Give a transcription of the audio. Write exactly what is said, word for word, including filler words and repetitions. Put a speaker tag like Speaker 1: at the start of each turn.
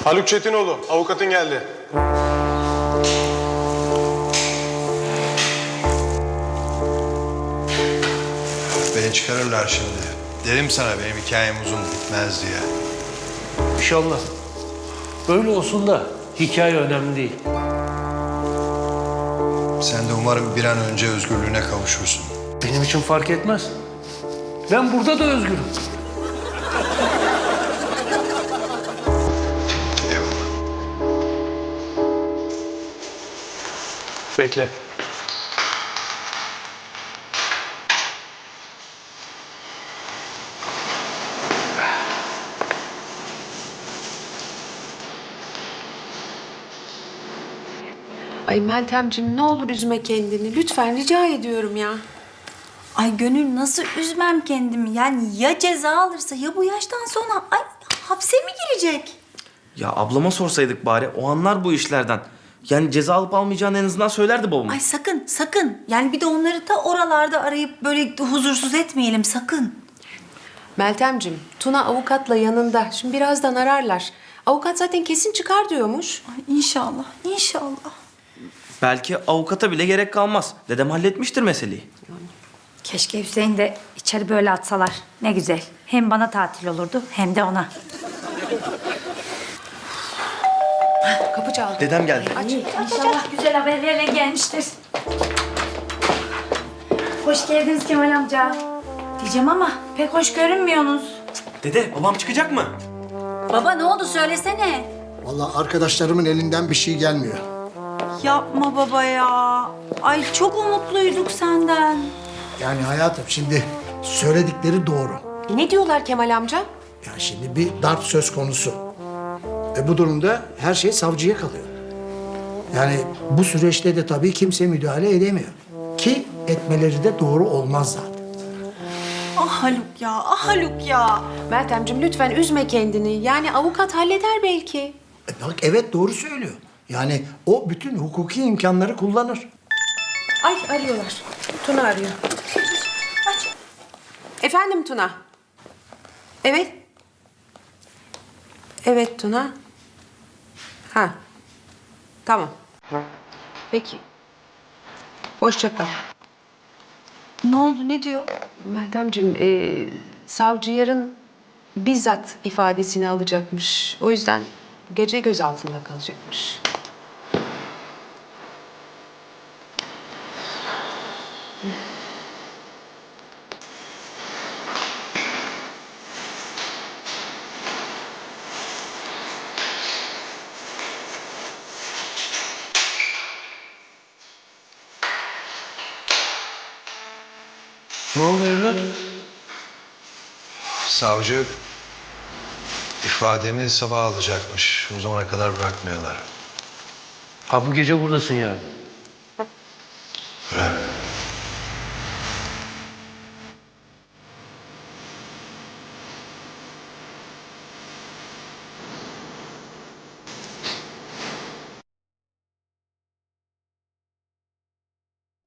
Speaker 1: Haluk Çetinoğlu, avukatın geldi.
Speaker 2: Beni çıkarırlar şimdi. Derim sana benim hikayem uzun bitmez diye.
Speaker 3: İnşallah. Böyle olsun da hikaye önemli değil.
Speaker 2: Sen de umarım bir an önce özgürlüğüne kavuşursun.
Speaker 3: Benim için fark etmez. Ben burada da özgürüm.
Speaker 2: Eyvallah.
Speaker 3: Bekle.
Speaker 4: Ay Meltemciğim ne olur üzme kendini. Lütfen rica ediyorum ya.
Speaker 5: Ay Gönül nasıl üzmem kendimi? Yani ya ceza alırsa ya bu yaştan sonra ay hapse mi girecek?
Speaker 6: Ya ablama sorsaydık bari, o anlar bu işlerden. Yani ceza alıp almayacağını en azından söylerdi babama.
Speaker 5: Ay sakın sakın. Yani bir de onları da oralarda arayıp böyle huzursuz etmeyelim sakın.
Speaker 4: Meltemciğim, Tuna avukatla yanında. Şimdi birazdan ararlar. Avukat zaten kesin çıkar diyormuş.
Speaker 5: Ay inşallah inşallah.
Speaker 6: Belki avukata bile gerek kalmaz. Dedem halletmiştir meseleyi.
Speaker 7: Keşke Hüseyin de içeri böyle atsalar. Ne güzel. Hem bana tatil olurdu hem de ona.
Speaker 4: Kapı çaldı.
Speaker 6: Dedem geldi.
Speaker 4: Aç.
Speaker 7: İnşallah güzel haberlerle gelmiştir. Hoş geldiniz Kemal amca. Diyeceğim ama pek hoş görünmüyorsunuz.
Speaker 6: Dede, babam çıkacak mı?
Speaker 5: Baba ne oldu söylesene.
Speaker 8: Vallahi arkadaşlarımın elinden bir şey gelmiyor.
Speaker 5: Yapma baba ya. Ay çok umutluyduk senden.
Speaker 8: Yani hayatım şimdi söyledikleri doğru.
Speaker 4: Ne diyorlar Kemal amca?
Speaker 8: Yani şimdi bir darp söz konusu. E bu durumda her şey savcıya kalıyor. Yani bu süreçte de tabii kimse müdahale edemiyor. Ki etmeleri de doğru olmaz zaten.
Speaker 5: Ah Haluk ya ah Haluk ya.
Speaker 4: Meltemciğim lütfen üzme kendini. Yani avukat halleder belki.
Speaker 8: E bak evet doğru söylüyor. Yani o bütün hukuki imkanları kullanır.
Speaker 4: Ay arıyorlar. Tuna arıyor.
Speaker 5: Aç.
Speaker 4: Efendim Tuna. Evet. Evet Tuna. Ha. Tamam. Peki. Hoşça kal.
Speaker 5: Ne oldu ne diyor?
Speaker 4: Meltemciğim, e, savcı yarın bizzat ifadesini alacakmış. O yüzden gece gözaltında kalacakmış.
Speaker 3: Ne oldu evlat?
Speaker 2: Savcı ifademi sabah alacakmış. O zamana kadar bırakmıyorlar.
Speaker 3: Ha bu gece buradasın yani.